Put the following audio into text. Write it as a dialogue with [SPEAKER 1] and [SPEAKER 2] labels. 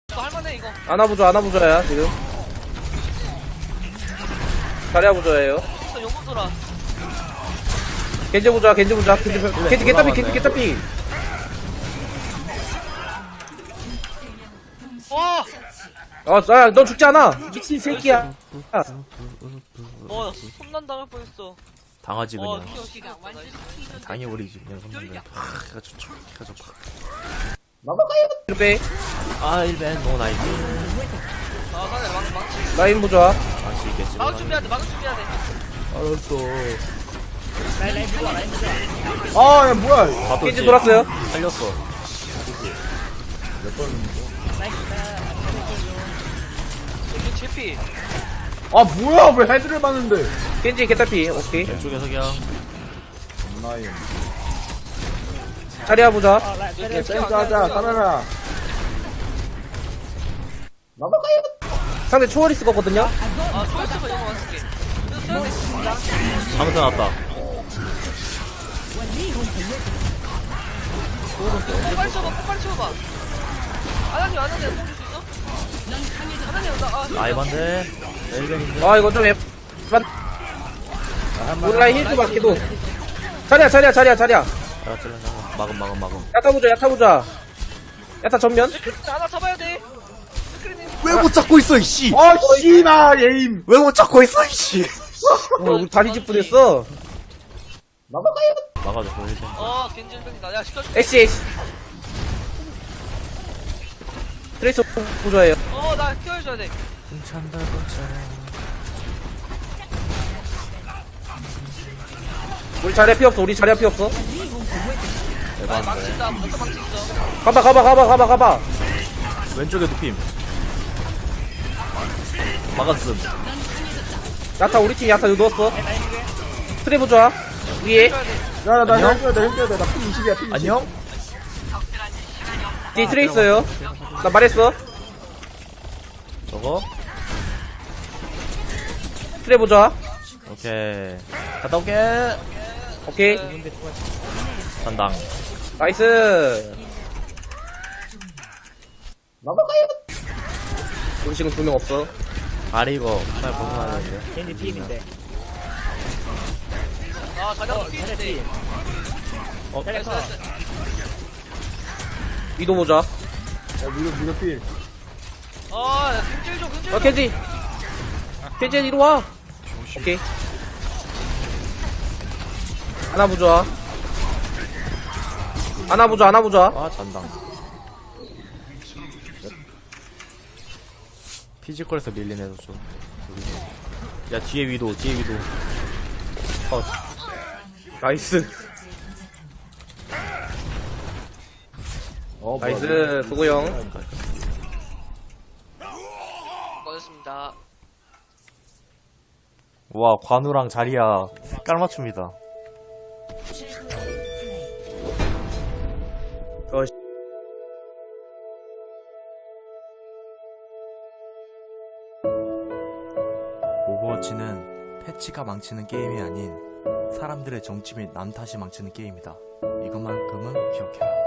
[SPEAKER 1] 이거 할만해 이거.
[SPEAKER 2] 안아보자야 지금. 자리야 부자예요.
[SPEAKER 1] 또 용문 돌아.
[SPEAKER 2] 겐지 보자. 겐지 개따피.
[SPEAKER 1] 와.
[SPEAKER 2] 야, 너 죽지 않아. 미친 새끼야.
[SPEAKER 1] 손난 당할 뻔했어.
[SPEAKER 3] 당하지 그냥.
[SPEAKER 1] 키가 완전.
[SPEAKER 3] 당해버리지 그냥 손님들. 키가 좋죠. 키가 좋고.
[SPEAKER 2] 빼.
[SPEAKER 3] 아 1벤 노 나이스.
[SPEAKER 1] 사네 망치.
[SPEAKER 2] 라인 보자.
[SPEAKER 3] 망치 있겠지.
[SPEAKER 1] 막을 준비해야 돼. 막을 준비해야 돼.
[SPEAKER 3] 알았어.
[SPEAKER 4] 아, 야, 뭐야.
[SPEAKER 3] 봐도
[SPEAKER 2] 겐지 돌았어요.
[SPEAKER 3] 살렸어.
[SPEAKER 1] 이게 제피.
[SPEAKER 4] 아, 뭐야. 왜 헤드를 봤는데.
[SPEAKER 2] 겐지 개따피. 오케이.
[SPEAKER 3] 왼쪽에서 그냥
[SPEAKER 4] 나인.
[SPEAKER 2] 자리야 보자.
[SPEAKER 4] 센스 하자, 카메라.
[SPEAKER 2] 상대 초월이 쓸 거거든요.
[SPEAKER 1] 초이스가 이거 맞을게.
[SPEAKER 3] 방금 나왔다.
[SPEAKER 1] 빨리 쳐봐. 아나님 뽕줄 수 있어? 아나님
[SPEAKER 3] 라이반데 1벤인데.
[SPEAKER 2] 아 이거 좀 온라인 힐도 받기도. 자리야.
[SPEAKER 3] 아 막음.
[SPEAKER 2] 야타 보자. 야타 전면.
[SPEAKER 1] 하나 잡아야 돼.
[SPEAKER 3] 왜 못 잡고 있어 이씨.
[SPEAKER 4] 아, 씨나, 예임.
[SPEAKER 3] 왜 못 잡고 있어 이씨.
[SPEAKER 2] 우리 다리 집 부됐어.
[SPEAKER 3] 막아줘 1벤.
[SPEAKER 1] 겐질병이다. 야 시켜줄게.
[SPEAKER 2] 애쉬. 트레이서 보자예요.
[SPEAKER 1] 나 키워줘야 돼.
[SPEAKER 3] 괜찮다.
[SPEAKER 2] 우리 자리야 피 없어.
[SPEAKER 3] 대박인데.
[SPEAKER 1] 망친다. 먼저 망치 있어.
[SPEAKER 2] 가봐.
[SPEAKER 3] 왼쪽에 눕힘. 막았음.
[SPEAKER 2] 야타 우리 팀 야타 누웠어. 트레 보자. 위에
[SPEAKER 1] 키워야 돼.
[SPEAKER 4] 야, 나
[SPEAKER 3] 안녕?
[SPEAKER 4] 힘줘야 돼. 나 P20이야, P20.
[SPEAKER 3] 안녕?
[SPEAKER 2] 뒤에 트레 있어요. 나 말했어.
[SPEAKER 3] 저거?
[SPEAKER 2] 트레 보자.
[SPEAKER 3] 오케이. 갔다 올게.
[SPEAKER 2] 오케이.
[SPEAKER 3] 단당.
[SPEAKER 2] 나이스. 우리 지금 2명 없어.
[SPEAKER 3] 아리 이거 정말 벗어나야 되는데.
[SPEAKER 5] 캔디 팀인데.
[SPEAKER 1] 자리야 피인데.
[SPEAKER 5] 테레커.
[SPEAKER 2] 위도 보자.
[SPEAKER 4] 야, 미드 필.
[SPEAKER 1] 겐질 좀.
[SPEAKER 2] 켄지 이리 와. 오케이. 하나 보자.
[SPEAKER 3] 아 잔당. 피지컬에서 밀린 애도 좀. 야 뒤에 위도.
[SPEAKER 2] 나이스. 나이스. 수고형.
[SPEAKER 1] 고맙습니다.
[SPEAKER 3] 와 관우랑 자리야 깔맞춤이다. 오버워치는 패치가 망치는 게임이 아닌 사람들의 정치 및 남 탓이 망치는 게임이다. 이것만큼은 기억해라.